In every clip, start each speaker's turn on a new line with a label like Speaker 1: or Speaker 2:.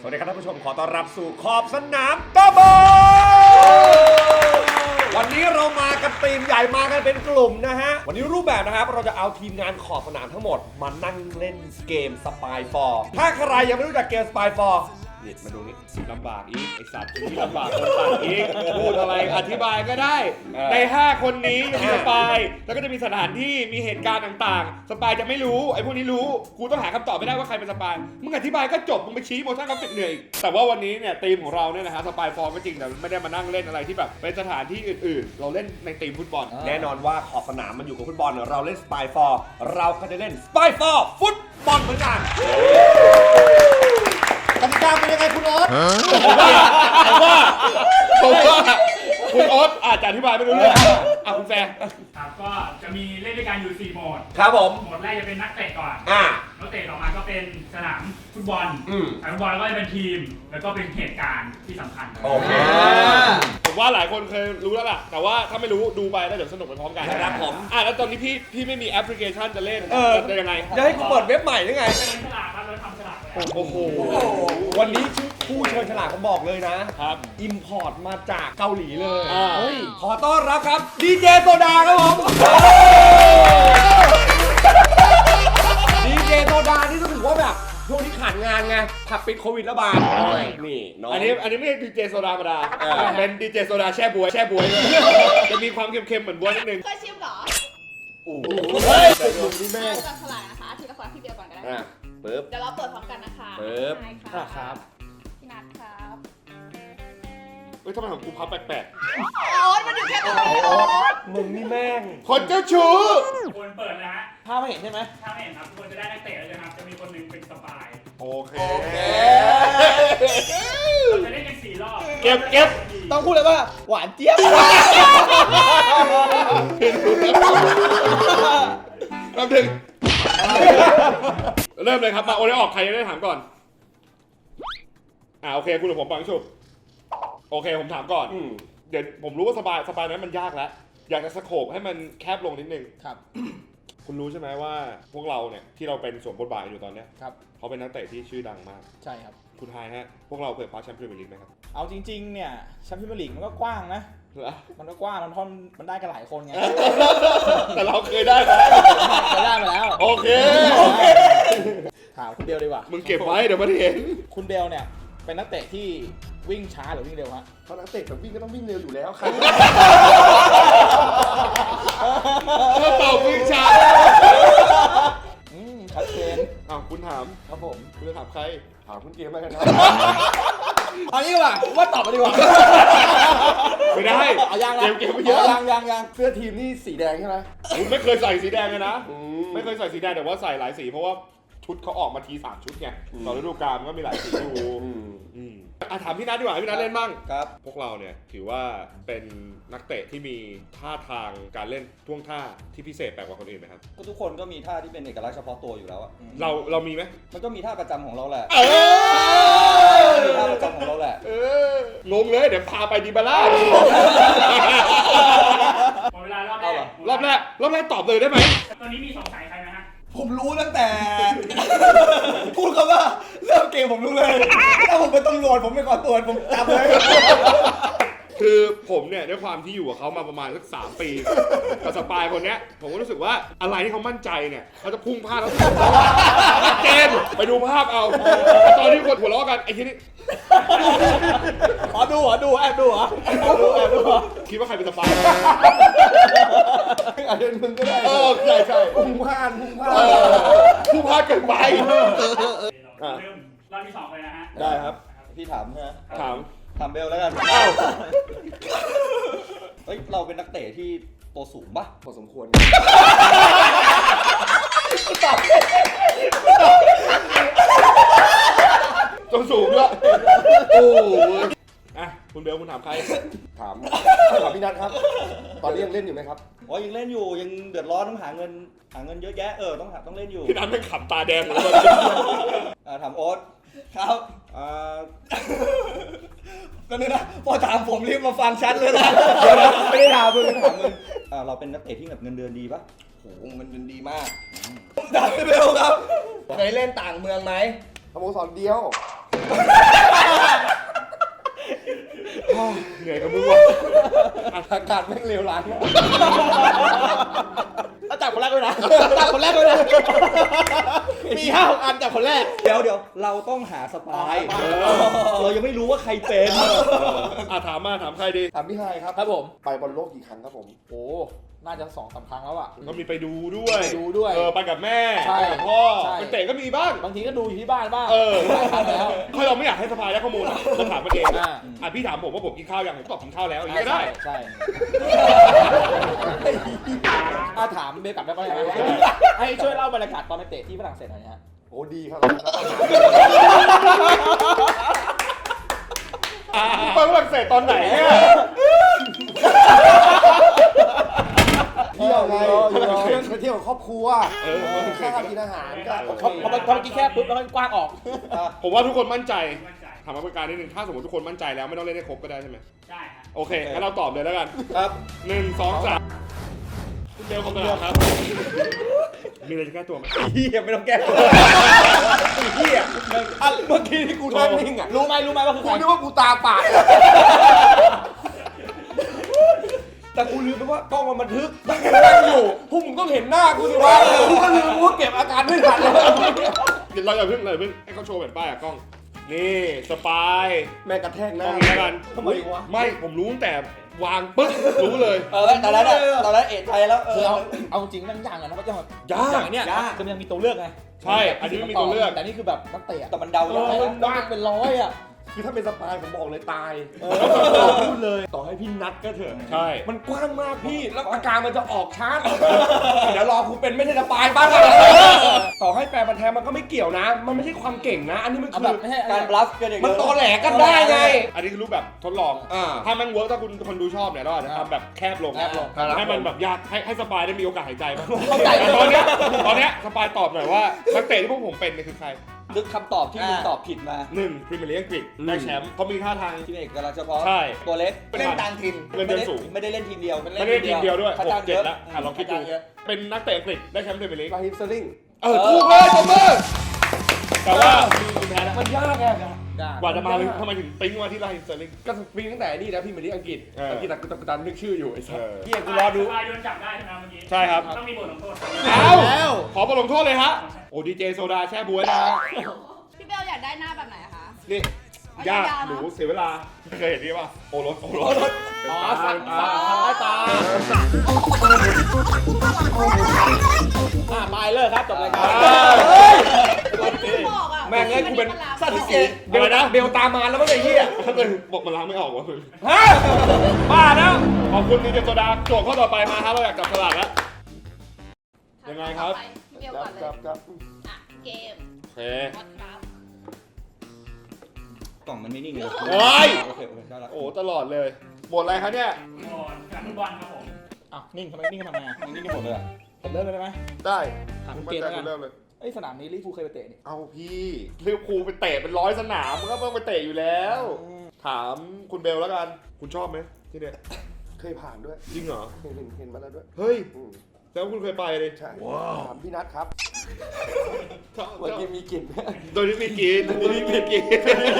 Speaker 1: วัสดีครับท่านผู้ชมขอต้อนรับสู่ขอบสนามตะบอวันนี้เรามากันทีมใหญ่มากันเป็นกลุ่มนะฮะวันนี้รูปแบบนะครับเราจะเอาทีมงานขอบสนามทั้งหมดมานั่งเล่นเกม Spy 4ถ้าใครยังไม่รู้จักเกม Spy 4นี่มาดูนี่
Speaker 2: ลำบากอีกไอสัตว์ที่ลำบากคนตัดอีกพูดอะไรอธิบายก็ได้ใน5คนนี้มีสปายแล้วก็จะมีสถานที่มีเหตุการณ์ต่างๆสปายจะไม่รู้ไอพวกนี้รู้กูต้องหาคำตอบไม่ได้ว่าใครเป็นสปายมึงอธิบายก็จบมึงไปชี้โมชั่นกราฟิกเหนื่อยแต่ว่าวันนี้เนี่ยทีมของเราเนี่ยนะฮะสปายฟอร์มก็จริงแต่ไม่ได้มานั่งเล่นอะไรที่แบบเป็นสถานที่อื่นๆเราเล่นในทีมฟุตบอล
Speaker 1: แน่นอนว่าขอบสนามมันอยู่กับฟุตบอลเราเล่น Spy 4เราก็จะเล่น Spy 4ฟุตบอลเหมือนกันกติกาเป็นยังไงคุณโอ๊ต
Speaker 2: ผมว่าคุณโอ๊ตอาจจะอธิบายไม่รู้เรื่องคุณแฟร์
Speaker 3: ครับก็จะมีเล่นด้วยกันอยู่4โหมด
Speaker 1: ครับผม
Speaker 3: โหมดแรกจะเป็นนักเตะก่อนนักเตะต่อมาก็เป็นสนามฟุตบอลสนามฟุตบอลแล้วก็จะเป็นทีมแล้วก็เป็นเหตุการณ์ที่สำคัญ
Speaker 1: โอเค
Speaker 2: ผมว่าหลายคนเคยรู้แล้วล่ะแต่ว่าถ้าไม่รู้ดูไปแล้วเดี๋ยวสนุกไปพร้อมกัน
Speaker 1: ครับผม
Speaker 2: แล้วตอนนี้พี่ไม่มีแอปพลิเคชันจะเล่นจะยังไง
Speaker 1: จะให้กูเปิดเว็บใหม่หรือไง
Speaker 3: เป็นฉลากครับเราทำฉลากเลย
Speaker 1: โอ้โหวันนี้ผู้เชิญฉลากผมบอกเลยนะครับอิมพอร์ตมาจากเกาหลีเลยขอต้อนรับครับดีเจโซดาครับผมดีเจโซดานี่ก็ถือว่าแบบช่วงนี้ขาดงานไงผับปิดโควิดระบาดนี่น้อง
Speaker 2: อันนี้ไม่ใช่ดีเจโซดาธรรมดาเป็นดีเจโซดาแช่บวยจะมีความเค็มๆเหมือนบวยนิดนึง
Speaker 4: เคยชิมเหรอ
Speaker 1: โอ้โห
Speaker 4: มึงนี่แม่จับฉลากนะคะทีละคนพี่เดียวก่อนก็ได้
Speaker 1: ปึ๊บ
Speaker 4: เดี๋ยวเราเปิดพร้อมกันนะคะ
Speaker 1: ปึ๊บ
Speaker 4: ครับพี่นัทครับ
Speaker 2: ทำไมของกูพับแปลก
Speaker 4: ๆโอ๊ตมันอยู่แค่ตรงนี้โอ๊ต
Speaker 1: มึงนี่แม่ง
Speaker 2: คนเจ้าชู้
Speaker 3: คนเปิดนะฮะ
Speaker 1: ภาพไม่เห็นใช่ไหม
Speaker 3: ภาพไม่เห็นครับคนจะได้นักเตะแล้วนะครับจะมีคนหนึ่งเป็นสปาย
Speaker 2: โอเค
Speaker 3: เราจะเล่นกัน4รอบ
Speaker 2: เก็บ
Speaker 1: ต้องพูดเลยว่าหวานเจี๊ยบ
Speaker 2: แป๊บนึงเริ่มเลยครับมาโอเล่ออกใครจะได้ถามก่อนโอเคคุณหรือผมปังชุบโอเคผมถามก่อนเดี๋ยวผมรู้ว่าสบายนั้นมันยากแล้วอยากจะสโคปให้มันแคบลงนิดนึง
Speaker 1: ครับ
Speaker 2: คุณรู้ใช่ไหมว่าพวกเราเนี่ยที่เราเป็นสวมบทบาทอยู่ตอนเนี้ย
Speaker 1: ครับ
Speaker 2: เขาเป็นนักเตะที่ชื่อดังมาก
Speaker 5: ใช่ครับ
Speaker 2: คุณทายฮะพวกเราเคยคว้าแชมป์พรีเมียร์ลีกไหมครับ
Speaker 5: เอาจริงๆเนี่ยแชมป์พรีเมียร์ลีกมันก็กว้างนะมันก็กว้างมันได้กันหลายคนไง
Speaker 2: แต่เราเคยได้ไหม
Speaker 5: เคยได้มาแล้ว
Speaker 2: โอเค
Speaker 5: ถามคุณเบลดีกว่า
Speaker 2: มึงเก็บไว้เดี๋ยวมันเห็น
Speaker 5: คุณเบลเนี่ยเป็นนักเตะที่วิ่งช้าหรือวิ่งเร็วฮะ
Speaker 1: เพราะนักเตะแต่วิ่งก็ต้องวิ่งเร็วอยู่แล้วครับ
Speaker 2: ถ้าตอบวิ่งช้า
Speaker 5: ชัดเจน
Speaker 2: คุณถาม
Speaker 5: ครับผม
Speaker 2: คุณจะถามใคร
Speaker 1: ถามคุณเกมแล้วกันครับ
Speaker 5: เอางี้ว่ะว่าตอบมาดีกว่า
Speaker 2: ไม่ได้
Speaker 5: เอายัง
Speaker 2: เกมไม่เยอะ
Speaker 5: ยัง
Speaker 1: เสื้อทีมนี่สีแดงใช่ไหม
Speaker 2: คุณไม่เคยใส่สีแดงเลยนะไม่เคยใส่สีแดงแต่ว่าใส่หลายสีเพราะว่าชุดเขาออกมาที3ชุดไงต่อฤดูกาลมันก็มีหลายสีอยู่ถามพี่นัทดีกว่าพี่นัทเล่นบ้าง
Speaker 1: ครับ
Speaker 2: พวกเราเนี่ยถือว่าเป็นนักเตะที่มีท่าทางการเล่นท่วงท่าที่พิเศษแปลกกว่าคนอื่นไหมครับ
Speaker 6: ก็ทุกคนก็มีท่าที่เป็นเอกลักษณ์เฉพาะตัวอยู่แล้วอะ
Speaker 2: เรามีไหม
Speaker 6: มันก็มีท่าประจำของเราแหละมีท่าประจำของเราแหละ
Speaker 2: งงเลยเดี๋ยวพาไปดิบาร่า
Speaker 3: หมดเวลารอบแรก
Speaker 2: รอบแรกตอบเลยได้ไหม
Speaker 3: ตอนนี้มีสงสัยใครไหมฮะ
Speaker 5: ผมรู้ตั้งแต่พูดคำว่าเริ่มเกมผมรู้เลยถ้าผมเป็นตำรวจผมไม่ก่อตัวผมจับเลย
Speaker 2: คือผมเนี่ยด้วยความที่อยู่กับเขามาประมาณสัก3 ปีกับสปายคนเนี้ยผมก็รู้สึกว่าอะไรที่เขามั่นใจเนี่ยเขาจะพุ่งพลาดแล้วชัดเจนไปดูภาพเอาตอนที่คนหัวเราะกันไอ้ที่นี่
Speaker 5: ขอดูแอบดู
Speaker 2: คิดว่าใครเป็นสปาย
Speaker 1: อาจจะมึงก็ได้
Speaker 2: ใช่
Speaker 1: พุ่งพลาด
Speaker 2: เกินไป
Speaker 3: เริ่มรอบที่2เลยนะฮะ
Speaker 6: ได้ครับพี่ถามนะถามเบลแล้วกันเฮ้ยเราเป็นนักเตะที่ตัวสูงปะ
Speaker 1: พอสมควร
Speaker 2: ตัวสูงด้วยคุณเบลคุณถามใคร
Speaker 1: ถามพี่นัทครับตอนนี้ยังเล่นอยู่ไหมครับ
Speaker 6: ยังเล่นอยู่ยังเดือดร้อนต้องหาเงินเยอะแยะต้องเล่นอยู่
Speaker 2: พี่นัทเป็นขับตาแดงเลย
Speaker 6: ถามโอ๊ต
Speaker 5: ครับก็นี่นะพอถามผมรีบมาฟังชัดเลยนะไม่ได้ถามมึง
Speaker 6: เราเป็นนักเตะที่แบบเงินเดือนดีปะ
Speaker 1: โหเงินเดือนดีมาก
Speaker 5: ถามเบลครับเคยเล่นต่างเมืองไหม
Speaker 1: สโมสรเดียว
Speaker 2: เหนื่อยกับมึงว่ะ
Speaker 1: อากาศแม่งเลวร้าย
Speaker 5: แล้วจับคนแรกด้วยนะจับคนแรกด้วยนะมี5-6 อันจับคนแรก
Speaker 6: เดี๋ยวเราต้องหาสปายเรายังไม่รู้ว่าใครเป็น
Speaker 2: ถามใครดี
Speaker 1: ถามพี่ไฮครับ
Speaker 5: ครับผม
Speaker 1: ไปบอลโลกกี่ครั้งครับผม
Speaker 5: โอ้น่าจะ2-3 ครั้งแล้วอ่ะ
Speaker 2: ก็มีไปดูด้วย
Speaker 5: ไปดูด้วย
Speaker 2: ไปกับแม่
Speaker 5: ใช่
Speaker 2: ไปกับพ่อ
Speaker 5: ใช่
Speaker 2: ไปเตะก็มีบ้าง
Speaker 5: บางทีก็ดูอยู่ที่บ้านบ้าง หลายครั้งแล้ว
Speaker 2: ถ้าเราไม่อยากให้สปายได้ข้อมูลเราถามมันเอง
Speaker 5: อ่า
Speaker 2: พี่ถามผมว่าผมกินข้าวยังผมตอบกินข้าวแล้วอย่างนี้ก็ได้
Speaker 5: ใช่ถามเบลกลับได้ปะให้ช่วยเล่าบรรยากาศตอนไปเตะที่ฝรั่งเศสหน่อยนะฮะ
Speaker 1: โอ้ดีครับ
Speaker 2: ไปฝรั่งเศสตอนไหนเนี่ย
Speaker 1: เที่ยวไงไปเที่ยวกับครอบครัวข้าวกินอาหารก็โอเค
Speaker 5: พอเมื่อกี้แค่ปุ๊บแล้วก็กว้างออก
Speaker 2: ผมว่าทุกคนมั่นใจ
Speaker 3: มั่นใจ
Speaker 2: ถามมาเป็นการนิดนึงถ้าสมมติทุกคนมั่นใจแล้วไม่ต้องเล่นให้ครบก็ได้ใช่ไหม
Speaker 3: ได้ฮะ
Speaker 2: โอเคงั้นเราตอบเลยแล้วกัน
Speaker 1: ครับ
Speaker 2: 1 2 3คุณเบลคำตอบครับมีอะไรจะแก้ตัวไหม
Speaker 1: เฮียไม่ต้องแก้ตัวเฮียเมื่อกี้ที่กูนั่งนิ่งอ่ะ
Speaker 5: รู้ไหมว่าคือใค
Speaker 1: กู
Speaker 5: ร
Speaker 1: นึกว่ากูตาปาดแต่กูลืมไปว่ากล้องมันบันทึกนั่งอยู่พวกมึงต้องเห็นหน้ากูสิวะกูก็ลืมว่าเก็บอาการไม่ทันเลย
Speaker 2: เดี๋ยวเราอย่าเพิ่งให้เขาโชว์แผ่นป้ายอะกล้องนี่สปาย
Speaker 1: แม่กระแทกห
Speaker 2: กล้
Speaker 1: น้า
Speaker 2: องนี้แล้วกัน
Speaker 1: ทำไมวะ
Speaker 2: ไม่ผมรู้ตั้งแต่วางปึ๊บรู้เลย
Speaker 6: ตอนนั้นเอ็ดใจแล้ว
Speaker 5: คือเอาจริงมันยากอะนะว่าจะ
Speaker 2: ยาก
Speaker 5: อย่างเนี้ยคือมันยังมีตัวเลือกไง
Speaker 2: ใช่อันนี้ไม่มีตัวเลือก
Speaker 5: แต่นี่คือแบบนักเตะ
Speaker 6: แต่มันเดาได้
Speaker 5: ว่างเป็นร้อยอ่ะ
Speaker 1: คือถ้าเป็นสปายผมบอกเลยตายพูดเลยต่อให้พี่นัดก็เถอะ
Speaker 2: ใช่
Speaker 1: มันกว้างมากพี่แล้วอาการมันจะออกช้าเดี๋ยวรอคุณเป็นไม่ใช่สปายบ้างต่อให้แปลมันแทนมันก็ไม่เกี่ยวนะ มันไม่ใช่ความเก่งนะ อันนี้มัน
Speaker 5: เอา
Speaker 1: คื
Speaker 5: แบ
Speaker 1: อบ
Speaker 5: ไม่ใช่
Speaker 6: การบลัฟกันอย่าง
Speaker 1: มัน
Speaker 6: เดียว
Speaker 1: ตอแหลกันได้ไง
Speaker 2: อันนี้คือรูปแบบทดลอง ถ้ามันเวิร์กถ้าคุณคนดูชอบเนี่ยเราอาจจะทำแบบแคบลงให้มันแบบยากให้สปายได้มีโอกาสหายใจบ้าง
Speaker 5: เข้าใจ
Speaker 2: ตอนเนี้ยสปายตอบหน่อยว่านักเตะที่พวกผมเป็นเนี่ยคือใคร
Speaker 6: นึกคำตอบที่มึงตอบผิดมา
Speaker 2: 1 พรีเมียร์ลีกอังกฤษได้แชมป์เขามีท่าทาง
Speaker 6: ทีมเอกกำลังเฉพาะ
Speaker 2: ใช่
Speaker 6: ตัวเล็ก
Speaker 2: เป็น
Speaker 6: เล่นต่างถิ่น
Speaker 2: เงินเดือนสูง
Speaker 6: ไม่ได้เล่นทีมเดียว
Speaker 2: ไม่ได้ทีมเดียวด้วย
Speaker 6: เขาจ้างเย
Speaker 2: 6-7
Speaker 6: อะ
Speaker 2: แล้วลองคิดดู
Speaker 6: เขาจ้างเยอะ
Speaker 2: เป็นนักเตะอังกฤษได้แชมป์พรีเมียร์ลีก
Speaker 1: ราฮิมสลิง
Speaker 2: ถูกเลยตบมือแต่ว่ามีแพ้แล้ว
Speaker 1: มันยากไง
Speaker 2: กว่าจะมาทำไมถึงปิ๊งมาที่ราฮิมสเตอร์ลิง
Speaker 1: ก็ปีตั้งแต่นี่นะพี่มาที่อังกฤษอังกฤษแต่กูตันนึกชื่ออยู่ไอ้สัส
Speaker 2: เฮียกูรอดู
Speaker 3: สปายโดนจับได้ใช่ไหมเมื่อกี้
Speaker 2: ใช่ครับ
Speaker 3: ต้องมีบทลงโทษ
Speaker 2: เอาขอบทลงโทษเลยฮะโอ้ดีเจโซดาแช่บวยนะ
Speaker 4: พี่เบลอยากได้หน้าแบบไหนอะคะ
Speaker 2: นี่ยากหนูเสียเวลาเคยเห็นนี่ป่ะโอรส
Speaker 5: อ๋อสั่งใต้ตาไปเลยครับจบรายการ
Speaker 4: บอกอะ
Speaker 1: แม่งเอ้ยกูเป็น
Speaker 4: สัตว์
Speaker 1: เกตเบลนะเบลตามมาแล้วมั้งไอ้เหี้ย
Speaker 2: ถ้าเกิดบอกมันล้างไม่ออกวะมึง
Speaker 1: ฮะบ้าแล้ว
Speaker 2: ขอบคุณดีเจโซดาโจทย์ข้อต่อไปมาครับเราอยากจับฉลากแล้ว ยังไงครับ
Speaker 4: พี่เบลก่อนเลย
Speaker 1: ครับ
Speaker 4: อ่ะเกม
Speaker 2: โอเค
Speaker 4: วัดครับ
Speaker 6: กล่องมันไม่นิ่งเลย
Speaker 2: โอ้ย
Speaker 6: โอเคได้ละ
Speaker 2: โอ้ตลอดเลยหมดอะไรครับเนี่ย
Speaker 3: โหมดการฟุตบอลครับผม
Speaker 5: อ้าวนิ่งทำไมนิ่งทำไมอ่ะ
Speaker 6: มันนิ่งกันหมดเลยอะ
Speaker 5: ผมเริ่มเลยได้ไหม
Speaker 2: ได้
Speaker 5: ถาม
Speaker 2: คุณ
Speaker 5: เกมแล้วกัน
Speaker 2: เริ่มเลย
Speaker 5: เอ้ยสนามนี้ลิเวอร์พูลเคยไปเตะนี่
Speaker 2: เอาพี่ลิเวอร์พูลไปเตะเป็น100 สนามมันก็ต้องไปเตะอยู่แล้ว ถามคุณเบลแล้วกัน คุณชอบไหมที่เนี่ย
Speaker 1: เคยผ่านด้วย
Speaker 2: จริงเหรอ
Speaker 1: เห็นมาแล้วด้วย
Speaker 2: เฮ้ย
Speaker 1: อืม
Speaker 2: แล้วคุณเคยไปเลย
Speaker 1: ใช่ถามพี่นัทครับ
Speaker 2: ชอบ
Speaker 1: วันนี้มีกลิ่น
Speaker 2: โดยที่มีกินโดยที่มีกิน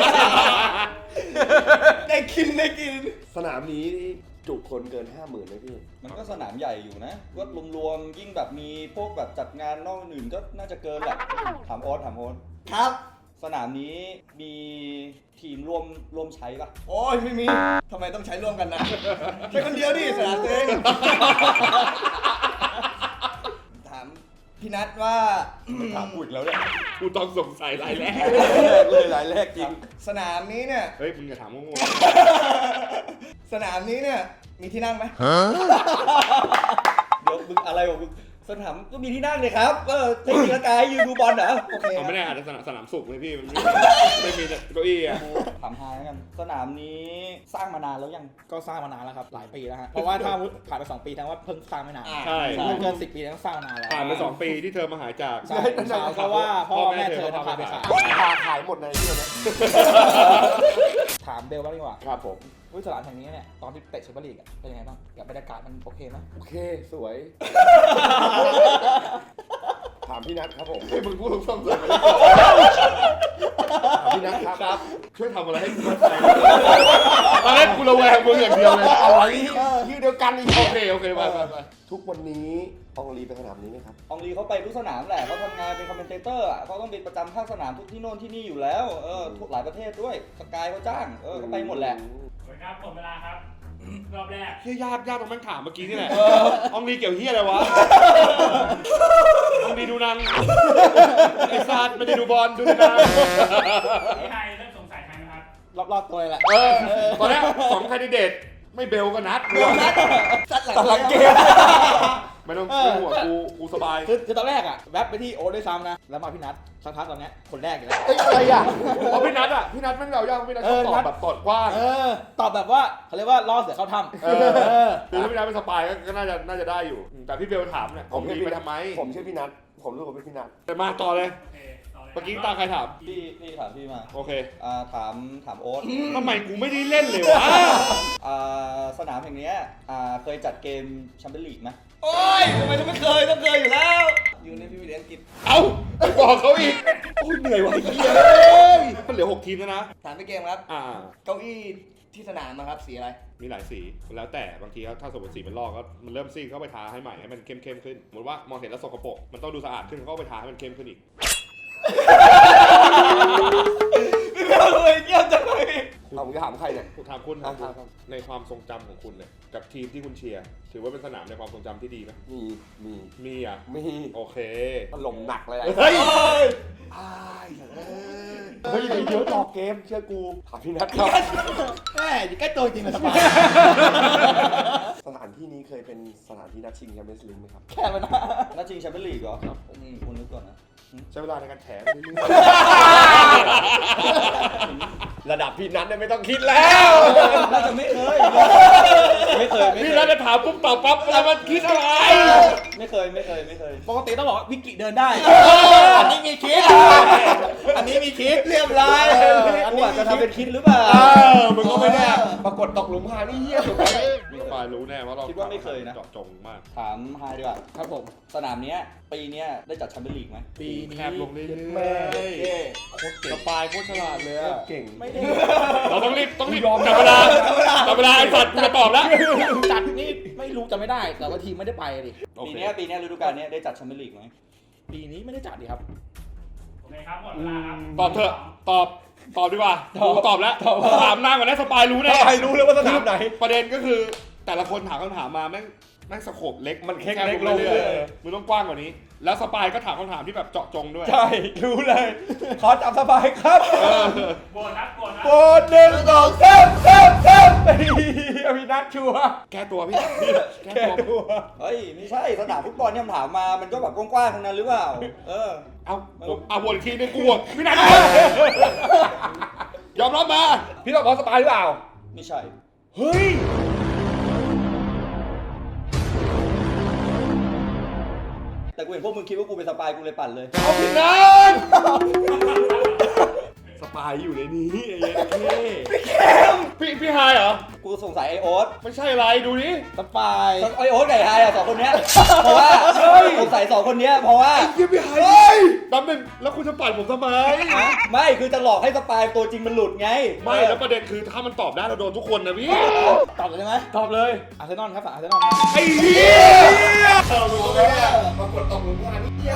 Speaker 5: ได้กิน
Speaker 1: สนามนี้จุคนเกิน 50,000เลยพี่
Speaker 6: มันก็สนามใหญ่อยู่นะก็รวมๆยิ่งแบบมีพวกแบบจัดงานนอกอื่นก็น่าจะเกินแหละถามโอ๊ต
Speaker 5: ครับ
Speaker 6: สนามนี้มีทีมร่วมใช้ปะ
Speaker 5: โอ้ยไม่มีทำไมต้องใช้ร่วมกันนะใช้คนเดียวดิสนามตัวเองถามพี่นัทว่า
Speaker 6: ถามกูอีกแล้วเนี่ย
Speaker 2: กูต้องสงสัยรายแรก
Speaker 6: เลยรายแรกจริง
Speaker 5: สนามนี้เนี่ย
Speaker 2: เฮ้ยมึงอย่าถามงง
Speaker 5: สนามนี้เนี่ยมีที่นั่งไหม
Speaker 6: เดี๋ยวมึงอะไรของมึงสนามก็มีที่นั่งเลยครับเทคนิคกายยืนดูบอลเหรอโอเค
Speaker 2: เอาไม่ได้อาจจะสนามสุขเลยพี่มันไม่มีเก้าอี้อะ
Speaker 6: ถามฮาแล้วกันสนามนี้สร้างมานานแล้วยัง
Speaker 5: ก็สร้างมานานแล้วครับหลายปีแล้วฮะเพราะว่าถ้าผ่านไป2 ปีทั้งว่าเพิ่งสร้างไม่นาน
Speaker 2: ใช่
Speaker 5: ถ้าเกิน10 ปีแล้วสร้างมานานแล้ว
Speaker 2: ผ่านไป2 ปีที่เธอมาหายจาก
Speaker 5: ใช่เพราะว่าพ่อแม่เธอพาไปขาย
Speaker 1: ขายหมดในที่นะ
Speaker 5: ถามเบลบ้างดีกว่า
Speaker 1: ครับผม
Speaker 5: สนามแห่งนี้เนี่ยตอนที่เตะแชมเปี้ยนลีกเป็นยังไงบ้างกับบรรยากาศมันโอเคไหม
Speaker 1: โอเค สวย ถามพี่นัทครับผม
Speaker 2: ให้มึงพูดตรงๆเลย
Speaker 1: ถามพี่นัทครับ
Speaker 2: ช่วยทำอะไรให้กูมั่นใจตอนแรกกูระแวงมึงอย่างเดียวเลย
Speaker 1: อะไรชื่อเดียวกันอีก
Speaker 2: โอเคไป
Speaker 1: ทุกวันนี้อองลีไปสนามนี้ไหมครับ
Speaker 6: อองลีเขาไปทุกสนามแหละเขาทำงานเป็นคอมเมนเตเตอร์อ่ะเขาต้องไปประจำภาคสนามทุกที่โน่นที่นี่อยู่แล้วทุกหลายประเทศด้วยสกายเขาจ้างเขาไปหมดแหละ
Speaker 3: สวัสดีครับหมดเวลาครับ รอบแรก
Speaker 2: เฮียยากตรงแม่งถามเมื่อกี้นี่แหละอองลีเกี่ยวเฮียอะไรวะอองลีดูนางไอ้ซาดไม่ได้ดูบอลดูนาง
Speaker 3: พี่ไฮเริ่มสงสัยใครไหมครับ
Speaker 5: รอบๆตัวเลยแหละ
Speaker 2: ตอนแรก2 แคนดิเดตไม่เบลก็นัดกู
Speaker 5: ตัดหลังเกม
Speaker 2: ไม่ต้องห่วงกูสบาย
Speaker 5: คือตอนแรกอะแวบไปที่โอ๊ตด้วยซ้ำนะแล้วมาพี่นัทสักพักตอนเนี้ยคนแรกอยู่แล้ว
Speaker 1: อะไรอ่ะ
Speaker 2: เพราะพี่นัทแม่งเรายากพี่นัทชอบตอบแบบตอดกว้าง
Speaker 5: ตอบแบบว่าเขาเรียกว่าล่อเสือเข้าถ้ำ
Speaker 2: คือถ้าพี่นัทเป็นสปายก็น่าจะได้อยู่ แต่พี่เบลถามเนี่ยผมมีไปทำไม
Speaker 1: ผมชื่อพี่นัทผมรู้ว่าเป็นพี่นัท
Speaker 2: แต่มาต่อเลย
Speaker 3: โอเค ต่อเลย
Speaker 2: เมื่อกี้ตาใครถาม
Speaker 6: พี่ถามพี่มา
Speaker 2: โอเค
Speaker 6: ถามโอ๊ต
Speaker 2: ทำไมกูไม่ได้เล่นเลยวะ
Speaker 6: สนามแห่งเนี้ยเคยจัดเกมแชมเปี้ยนลีกไหม
Speaker 5: โอ้ยทำไมจะไม่เคยต้องเคยอยู่แล้ว อยู่ในพรีเมียร์ลีกอังกฤษ
Speaker 2: เอ้าไปบอกเขาอีกโอ้ยเหนื่อยว่ะไอ้เหี้ยมันเหลือ6 ทีมแล้วนะ
Speaker 5: ถามไปเกมครับ เก้าอี้ที่สนามนะครับสีอะไร
Speaker 2: มีหลายสีแล้วแต่บางทีถ้าสมมติสีมันลอกก็มันเริ่มซีดเข้าไปทาให้ใหม่ให้มันเข้มขึ้นสมมติว่ามองเห็นแล้วสกปรกมันต้องดูสะอาดขึ้นเขาก็ไปทาให้มันเข้มขึ้นอีก
Speaker 5: พี่เบลเลยเยี่ยมจังเลย
Speaker 1: เอาผมจะถามใครเนี่ย
Speaker 2: ถามคุณ
Speaker 1: ครั
Speaker 2: นะ
Speaker 1: บ
Speaker 2: ในความทรงจำของคุณเนี่ยกับทีมที่คุณเชียร์ถือว่าเป็นสนามในความทรงจำที่ดีไหม
Speaker 1: มี
Speaker 2: มีอ่ะ
Speaker 1: มี
Speaker 2: โอเค
Speaker 1: ถล่มหนักเลย
Speaker 2: เฮ้ย
Speaker 1: เฮ้ยเดี๋ยวต่อเกมเชื่อกูถามพี่นัทครับ
Speaker 5: แม่อยู่ใกล้ตัวจริงเลยสบาย
Speaker 1: สถานที่นี้เคยเป็นสถานที่นัดชิงแชมเปี้ยนส์ลีกไหมครับ
Speaker 5: แค่มันนะ
Speaker 6: นัดชิงแชมเปี้ยนลีกเหรอครับคุณนึกก่อนนะ
Speaker 2: ใช้เวลาในการแถม
Speaker 1: ระดับพี่นัทเนี่ยไม่ต้องคิดแล้ว
Speaker 6: น่าจะไม่เคย
Speaker 2: พี่นัทจะถามปุ๊บตอบปั๊บแล้วมันคิดอะไร
Speaker 6: ไม่เคย
Speaker 5: ปกติต้องบอกว่าวิกฤตเดินได้ อันนี้มีคิด อันนี้มีคิดเรียบร้อย
Speaker 6: กูอาจจะทำเป็นคิดหรือเปล่า
Speaker 2: มึงก็ไม่แน่
Speaker 1: ปรากฏตกหลุมพรางนี่เหี้ยสุดเลย
Speaker 2: มีฝ่ายรู้แน่ว่าเรา
Speaker 6: คิดว่าไม่เคยนะ
Speaker 2: เจาะจงมาก
Speaker 6: ถามไฮดีกว่า
Speaker 5: ครับผม
Speaker 6: สนามเนี้ยปีเนี้ยได้จัดแชมเปี้ยนลีกไหม
Speaker 5: ปีนี้
Speaker 2: แคบลงเรื่อยๆ
Speaker 1: แม่
Speaker 2: โคตรเก่งสปายโคตรฉลาดเลยอะ
Speaker 1: เก่ง
Speaker 5: ไม่ได้
Speaker 2: เราต้องรีบจับเวลาไอ้สัตว์กูจะตอบแล้ว
Speaker 5: จัดนี่ไม่รู้จะไม่ได้ แต่ว่าทีมไม่ได้ไปดิ
Speaker 6: ปีเนี้ยฤดูกาลเนี้ยได้จัดแชมเปี้ยนลีกไหม
Speaker 5: ปีนี้ไม่ได้จัดดิครับ
Speaker 3: โอเคครับ หมดเวลาครับ
Speaker 2: ตอบเถอะตอบดีกว่ากูตอบแล้วถามนางก่อนนะสปายรู้แน่
Speaker 1: ใครรู้เลยว่าสนามไหน
Speaker 2: ประเด็นก็คือแต่ละคนถามคำถามมาแม่งสโคปเล็ก
Speaker 1: มันแค่
Speaker 2: บ
Speaker 1: เล็กลง
Speaker 2: เรื่
Speaker 1: เล
Speaker 2: อย
Speaker 1: ย
Speaker 2: ๆมึงต้องกว้างกว่านี้ แล้วสปายก็ถามคำถามที่แบบเจาะจงด้วย
Speaker 1: ใช่ รู้เลย ขอจับสบายครับ
Speaker 3: โบนัส
Speaker 1: โบนหนึ่งสองสามพี่นัทชัวร์
Speaker 2: แก้ตัวพี่แก้
Speaker 1: แค่
Speaker 2: ตัว
Speaker 1: ตัว
Speaker 6: เฮ้ยไม่ใช่สนามฟุตบอลที่คำถามมามันก็แบบกว้างๆทั้งนั้นหรือเปล่า
Speaker 2: เอาวนอีกทีนึงกูวนพี่นัทยอมรับมา
Speaker 1: พี่ต้องบอกสปายหรือเปล่า
Speaker 6: ไม่ใช่
Speaker 1: เฮ้ย
Speaker 6: แต่กูเห็นพวกมึงคิดว่ากูเป็นสปายกูเลยปั่นเลย
Speaker 2: เอาพี่นัทสปายอยู่ในนี้ไอ้เหี้ยพี่ไฮเหรอ
Speaker 6: กูสงสัยไอโอ๊ต
Speaker 2: ไม่ใช่อะไรดูนี่
Speaker 5: สปาย
Speaker 6: ไอโอ๊ตกับไอไฮอะสองคนเนี้ยเพราะว่าสงสัยสองคนเนี้ยเพราะว่า
Speaker 2: เยี่ยพี่ไฮแป๊บนึงแล้วคุณจะปั่นผมทำไม
Speaker 6: ไม่คือจะหลอกให้สปายตัวจริงมันหลุดไง
Speaker 2: ไม่แล้วประเด็นคือถ้ามันตอบได้เราโดนทุกคนนะพี่
Speaker 5: ตอบเลยได้ไหม
Speaker 1: ตอบเลย
Speaker 5: อาร์เซนอลครับอาร์เซนอล
Speaker 2: ไอ้เหี้ย
Speaker 1: ปรากฏตกหลุมพรางนี่เหี้ย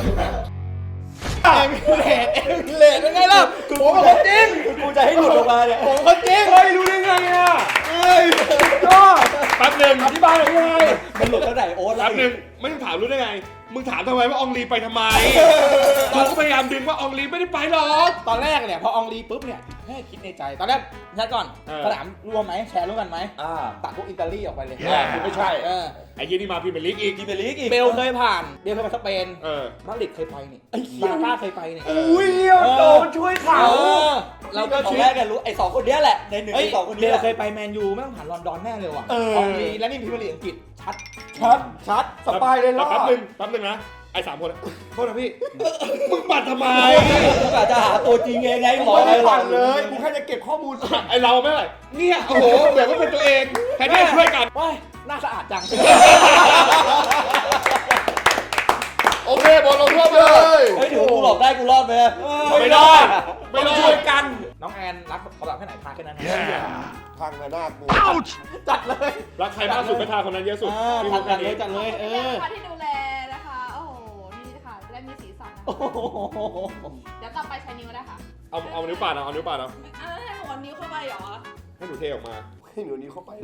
Speaker 5: เลดเป็นไงล่ะผมเป็นคนจริง
Speaker 6: กูจะให้หลุดออกมาเนี่ย
Speaker 5: ผมคนจริง
Speaker 1: เฮ้ยรู้ได้ไงอ่ะเฮ้ยยอด
Speaker 2: แป๊บนึง
Speaker 1: อธิบายหน่อยยังไง
Speaker 6: มันหลุดตั้งแต่โอ๊ตแล้
Speaker 2: แป๊
Speaker 6: ว
Speaker 2: บนึงไม่ต้องถามรู้ได้ไงมึงถามทำไมว่าอองลีไปทำไมกูก็พยายามดึงว่าอองลีไม่ได้ไปหรอก
Speaker 5: ตอนแรกเนี่ยพออองลีปุ๊บเนี่ยให้คิดในใจตอนแรกแชร์ก่อนสนามรวมไหมแชร์ร่วมกันไหมตัดพวกอิตาลีออกไปเลย
Speaker 1: คือไม่ใช่
Speaker 2: ไอ้ยี่นี่มาพรีเมียร์ลีกอีก
Speaker 6: กีเบลีกอีก
Speaker 5: เบลเคยผ่านเบลเคยไปสเปน
Speaker 2: มา
Speaker 5: ดริดเคยไปนี่บาร์ซ่าเคยไปนี่
Speaker 1: อุ้ยโดนช่วยเขา
Speaker 5: เราก็
Speaker 6: ตอน
Speaker 5: คิด
Speaker 6: แรกกันรู้ไอ้สองคนเนี้ยแหละในหนึ่ง
Speaker 5: เฮ้ย
Speaker 6: ในสองคน
Speaker 5: เบ
Speaker 6: เนี้ย
Speaker 5: ลเคยไปแมนยูไม่ต้องผ่านลอนดอนแน่เลยว่ะอองลีและนี่พรีเมียร์ลีกอังกฤษชัด
Speaker 1: สปายเลยรอด
Speaker 2: แป๊บนึงนะไอ้3 คนโทษนะพี่มึงปั่นทำไม
Speaker 6: กูกะจะหาตัวจริงไงหมอ
Speaker 1: ไม่
Speaker 6: อะไร
Speaker 1: ได้
Speaker 6: หรอ
Speaker 1: ปั่นเลยกูแค่จะเก็บข้อมูล
Speaker 2: ไอ้เราไม่ไหวเนี่ยโอ้โหแบบว่าเป็นตัวเองแทนที่จะช่วยกัน
Speaker 5: ว้ายน่าสะอาดจัง
Speaker 2: โอเคบอลลงโทษไปเลย
Speaker 6: เฮ้ยถือว่ากูหลบได้กูรอดไป
Speaker 2: ไม่ได้ไม่
Speaker 1: ต้อง
Speaker 2: ได้
Speaker 1: ช่วยกัน
Speaker 5: น้องแอนรักเขาแบบแค่ไหนพาแค่นั้น
Speaker 1: พังระนาดกู
Speaker 5: จัดเลย
Speaker 2: รักใครมากสุดก็ทาคนนั้นเยอะสุดมีมุก
Speaker 6: จั
Speaker 2: แค่
Speaker 6: ดเล
Speaker 2: นี้
Speaker 6: ยจัดเลย
Speaker 4: ขอบคุณค่ะที่ดูแลนะคะ โอ้โห นี่ค่ะจะได้มีสีสันนะคะ
Speaker 6: โอ้โห
Speaker 4: เดี๋ยวต่อไปใช้นิ้วนะคะ
Speaker 2: เอานิ้วป่าดเอานิ้วป่าดเอา
Speaker 4: ให้หนูเอานิ้วเข้าไปเหรอ
Speaker 2: ให้หนูเทออกมา
Speaker 1: ให้หนูนี้เข้าไป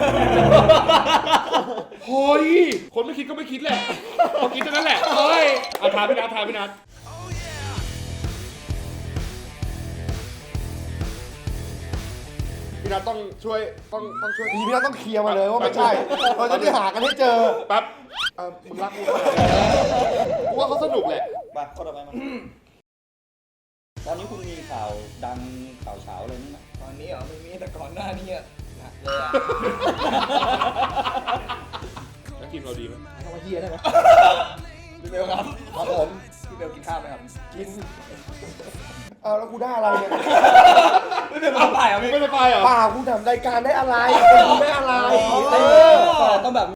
Speaker 2: เฮ้ยคนไม่คิดก็ไม่คิดแหละเขาคิดเท่านั้นแหละเฮ้ยเอาทาพี่นัททาพี่นัทพี่นัทต้องช่วยต้องช่วย
Speaker 1: ทีพี่นัทต้องเคลียร์มาเลยว่าไม่ใช่ เราจะได้หากันให้เจอ
Speaker 2: แป๊บมึงรักกูขนาดนี้กูว่าเขาสนุกแหละ
Speaker 6: ไปข้อต่อไปมันตอนนี้คุณมีข่าวดังข่าวเช้าอะไรนี่ไหม
Speaker 5: ตอนนี้เหรอไม่มีแต่ก่อนหน้านี้อะหนักเลยอะ
Speaker 2: แล้วทีมเราดีไหม
Speaker 5: ให้คำว่าเฮียได้ไหมพี่เบลครับครับผม พี่เบลกินข้าวไหมครับ
Speaker 1: กิน เอาแล้วกูได้อะไรเนี่ย
Speaker 5: พี่เบลมาถ่ายอ่ะ
Speaker 2: มึง
Speaker 5: พี่
Speaker 2: ไม่ไปเหรอ
Speaker 1: ป่ากูทำรายการได้อะไรกูไม่อะไร
Speaker 6: แต่ต้องแบบ